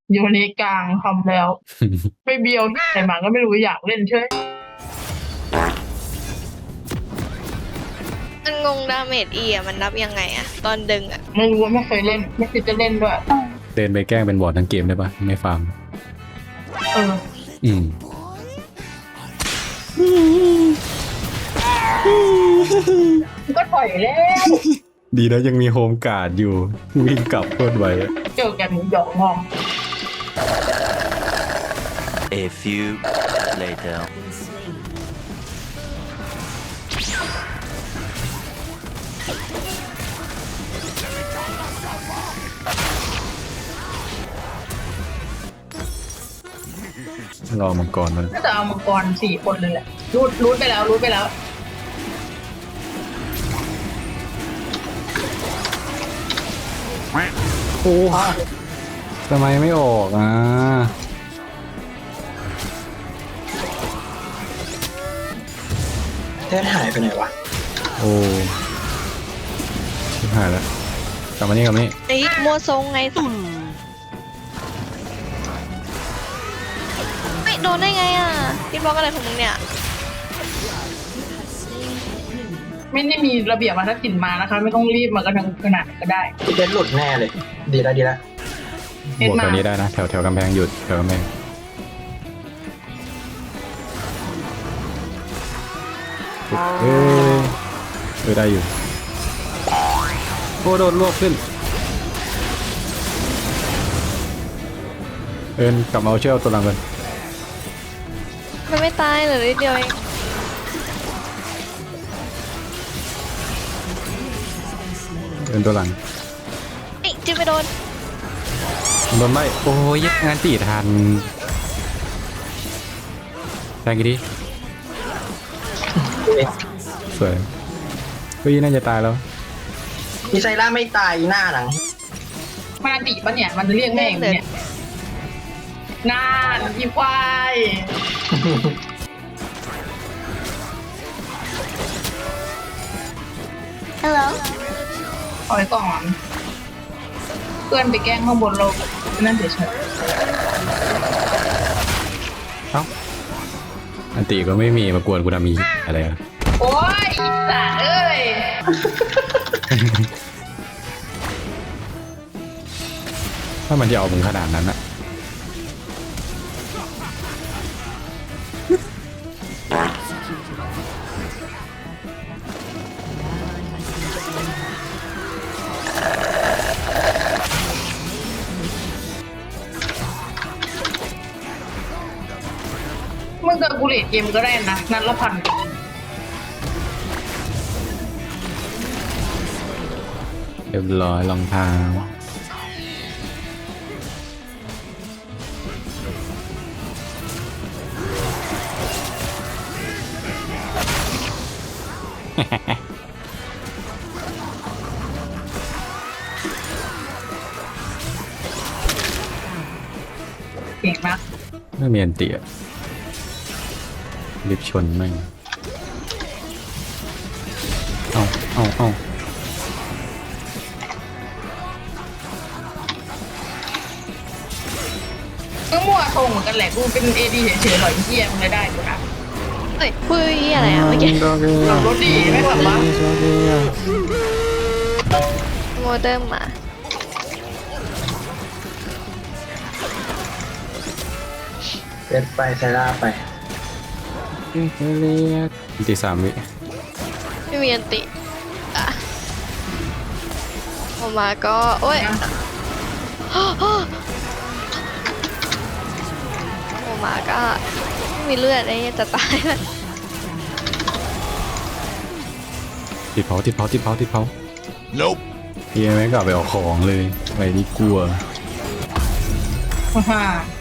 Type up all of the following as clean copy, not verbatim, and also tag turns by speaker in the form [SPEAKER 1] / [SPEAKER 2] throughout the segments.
[SPEAKER 1] โยนกลางทำแล้วไปเบียวที่ไหนมาก็ไม่รู้อยากเล่นเช่วย
[SPEAKER 2] มันงงดาเมจอีอะมันนับยังไงอะตอนดึงอะ
[SPEAKER 1] ไม่รู้ว่าไม่เคยเล่นไม่คิดจะเล่นด้วย
[SPEAKER 3] เดินไปแกล้งเป็นบอร์ดทั้งเกมได้ปะไม่ฟาร์ม
[SPEAKER 1] เออ
[SPEAKER 3] อืม
[SPEAKER 1] ก็ปล่อยแล้ว
[SPEAKER 3] ดีนะยังมีโฮมการ์ดอยู่วิ่งกลับโคตรไวอะ
[SPEAKER 1] เจอกันหยอกงอม
[SPEAKER 4] A few later.
[SPEAKER 3] รอมังกรมัน
[SPEAKER 1] น่าจะเอามังกร4 คนเลยแหละรูดไปแล้วรูดไปแล้ว
[SPEAKER 3] โอ้ทำไมไม่ออกอ่ะ
[SPEAKER 5] เทสหายไปไหนวะ
[SPEAKER 3] โอ้ชิบหายแล้วกลับมานี่กลับมานี่
[SPEAKER 2] ไอ้มัวทรงไงไม่โดนได้ไงอะคิดบล็อกอะไรของมึงเนี่ย
[SPEAKER 1] ไม่ได้มีระเบียบวัฒนศิลป์มานะคะไม่ต้องรีบมากระทังขนาดนั้นก็ได้
[SPEAKER 5] พี่เทสหลุดแน่เลย ดีแล้วดีแล้ว
[SPEAKER 1] เอ็ด
[SPEAKER 3] บวก
[SPEAKER 1] มา
[SPEAKER 3] แถวนี้ได้นะแถวกำแพงหยุดแถวกำแพงเอ้ยได้อยู่โอ้โดนรวบขึ้นเอินกลับมาเอาเชือกตัวหลังกัน
[SPEAKER 2] มันไม่ตายเหลือนิดเดียวเอง
[SPEAKER 3] เอินตัวหลัง
[SPEAKER 2] ไอ้จิ้มไม่โดน
[SPEAKER 3] โดนไล่โอ้ยยักงานตีทันแทงกี่ทีสวยเฮ้ยน่าจะตายแล้ว
[SPEAKER 5] มีไซร่าไม่ตายหน้าหลัง
[SPEAKER 1] มาดิปะเนี่ยมันจะเรียกแม่งเนี่ยน่านอีควาย
[SPEAKER 2] ฮัลโหล
[SPEAKER 1] ถอยก่อนเพื่อนไปแกล้งข้างบนเรานั่นเฉย
[SPEAKER 3] เอ้าอันตีก็ไม่มีมากวนกูทำมีอะไรอะ
[SPEAKER 1] ๆโอ้ยอีสัตว์เอ้ย
[SPEAKER 3] ถ้ามันจะเอามึงขนาดนั้นอะ
[SPEAKER 1] มึงกับกูเลดเกมก็ได้นะนัดละพัน
[SPEAKER 3] เรียบร้อยรองเท้า
[SPEAKER 1] เก่งมาก
[SPEAKER 3] ไม่มีอันตีอะรีบชนแม่งเอา
[SPEAKER 1] ก็มั่วทรงเหมือนกันแหละกูเป็นเอดีเฉยๆหน่อยเยี่ยมเลยได้กูนะ
[SPEAKER 2] เฮ้ยพูดอะไรอะเมื่อกี้
[SPEAKER 1] ขับรถดีไม่ขับวะ
[SPEAKER 2] โมเดิร์มมา
[SPEAKER 5] เทสไปไซร่าไป
[SPEAKER 3] ตี3 วิ
[SPEAKER 2] ไม่มีอันติอะออกมาก็โอ้ยออกมาก็ไม่มีเลือดไอ้เนี่ยจะตายแล้ว
[SPEAKER 3] ติดเผาNope เฮียแม่งกลับไปเอาของเลยไปดีกลัว
[SPEAKER 1] ฮ่า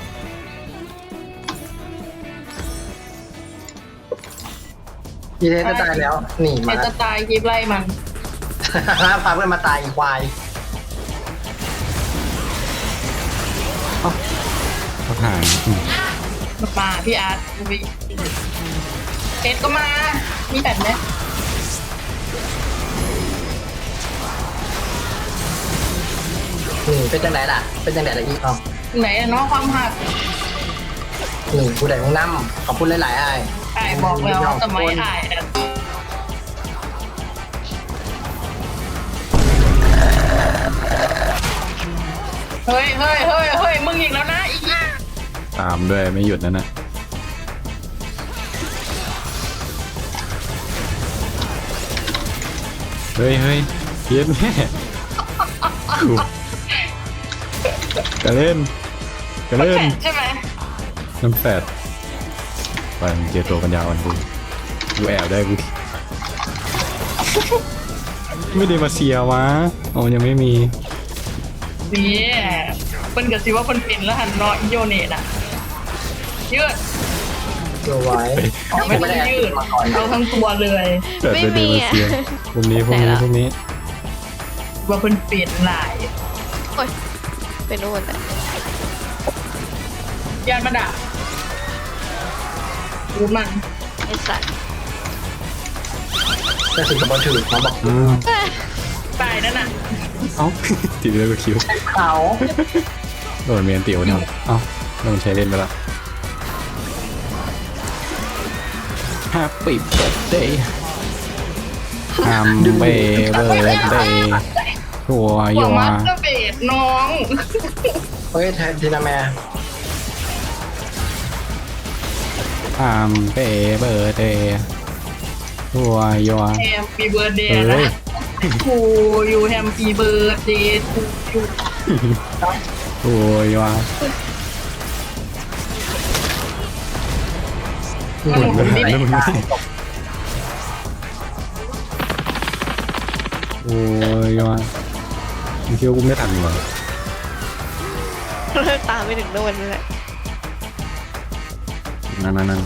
[SPEAKER 5] พี่เทสจะตายแล้ว หนี
[SPEAKER 1] เอ
[SPEAKER 5] มา
[SPEAKER 1] จะตายคลิปไล่มัน
[SPEAKER 5] พาเพื่อนมาตายอีควาย
[SPEAKER 3] เขาหาย
[SPEAKER 1] มาพี่อาร์ตวิเอ็ดก็มา มีแบบไหม
[SPEAKER 5] เป็นจังไหนล่ะ เป็นจังไหนล่ะอีกอ๋อ
[SPEAKER 1] ไหนอะเนาะความหัก
[SPEAKER 5] หนึ่งผู้ใดของน้ำขอบคุณหลายๆไอ้
[SPEAKER 1] ไอ้บอกแล้วสมัยไอ้อะเฮ้ยเฮ้ยเฮ้ยเฮ้ยมึงอีกแล้วนะอีก
[SPEAKER 3] ตามด้วยไม่หยุดนั่นนะเฮ้ยเฮ้ยเพี้ยนแม่กูกระเล่นกระเล่น
[SPEAKER 1] ใช่ไหม
[SPEAKER 3] น้ำแฟดไปมึงเจอตัวปัญญาอ่อนกูแอบได้กูไม่ได้มาเสียวะอ๋อยังไม่มี
[SPEAKER 1] นี่เป็นกับสิว่าเป็นเป็นแล้วหันเนาะอีโยเนตอะยืด
[SPEAKER 5] ตัวไว้
[SPEAKER 1] ไม่ต้องยืดเอาทั้งตัวเลย
[SPEAKER 3] เกิดไปเดมาเซียพรุ่งนี้พรุ่งนี้พรุ่งนี้
[SPEAKER 1] ว่าเป็นเปลี่ยนหลาย
[SPEAKER 2] โอ้ยเป็นนู่นแหละ
[SPEAKER 1] ยานมาด่ารู้มัน
[SPEAKER 2] ไอ้สัตว์
[SPEAKER 5] จะถึงกับบอลถือมาบอก
[SPEAKER 2] เอ้ย
[SPEAKER 1] ตายนั่นน่ะ
[SPEAKER 3] เอ้าตีไปเลยกับคิว
[SPEAKER 5] เขา
[SPEAKER 3] โดนเมียนเตี๋ยวเนี่ยเอ้าโดนใช้เล่นไปละ Happy birthday Happy birthday ทัว
[SPEAKER 1] หั
[SPEAKER 3] ยว
[SPEAKER 1] มัสเตอร์เบสน้อง
[SPEAKER 5] เฮ้ยทีนาแม่
[SPEAKER 3] Happy birthday ทัวยัว
[SPEAKER 1] แฮมปีเบิร์ดเดย์
[SPEAKER 3] เฮ้
[SPEAKER 1] นะ
[SPEAKER 3] ย
[SPEAKER 1] ทูยูแฮมปีเบิร์ดเดย์ทูยู
[SPEAKER 3] ทัวยัว
[SPEAKER 5] หมุน
[SPEAKER 3] ไม่
[SPEAKER 5] ไม่
[SPEAKER 3] ทัน
[SPEAKER 5] ได้
[SPEAKER 3] แล้วมึงไม่โอ้ยยัวมึงคิดว่ากูไม่ทันเหรอ
[SPEAKER 2] ตามไปถึงนู่นนั่นแหละ
[SPEAKER 3] นั่น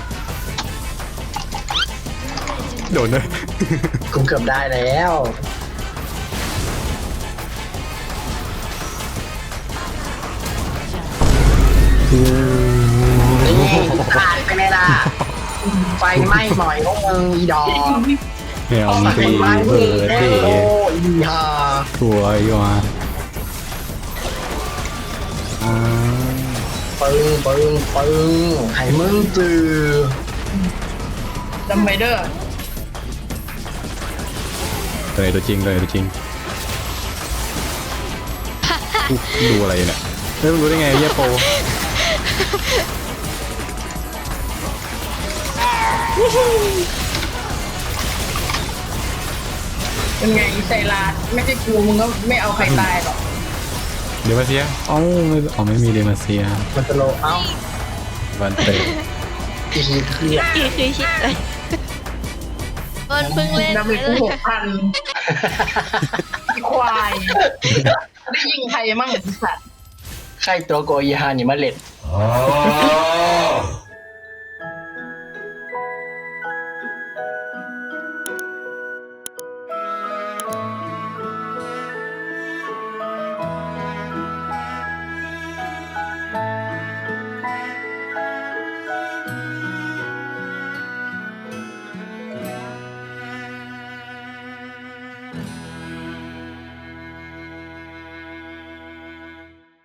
[SPEAKER 3] โดนเลย
[SPEAKER 5] กูเกือบได้แล้วนี่ตายไปไหนล่ะไฟไหม้หน่อยพวกมึงอีดอก
[SPEAKER 3] แมว
[SPEAKER 5] ไฟ
[SPEAKER 3] ตี
[SPEAKER 5] ไหม้
[SPEAKER 3] เบอร์
[SPEAKER 5] แล้
[SPEAKER 3] เด
[SPEAKER 5] ว
[SPEAKER 3] ย์
[SPEAKER 5] อีห่า
[SPEAKER 3] ทัวยัว
[SPEAKER 5] ปึ้งให้มึงจือ
[SPEAKER 1] จำไมเดอร์
[SPEAKER 3] เลยตัวจริงเลยตัวจริงดูอะไรเนี่ยเฮ้ยมึงรู้ได้ไงเยี่ยโป
[SPEAKER 1] เป็นไงอีไซรัสไม่ใช่กูมึงก็ไม่เอาใครตายหรอก
[SPEAKER 3] เดมาเซียเอ้าไม่มีเดมาเซีย
[SPEAKER 5] มันจะโลเอ้า
[SPEAKER 3] วันเตะ
[SPEAKER 5] อีกเครียด
[SPEAKER 2] อีกคือชิดเลยมันเพิ่งเล่น
[SPEAKER 1] น้ำเลยกู6,000อีควายได้ยิงใครมั่งไอ้สัตว์
[SPEAKER 5] ใครตัวโกอีฮานี่มาเล็ด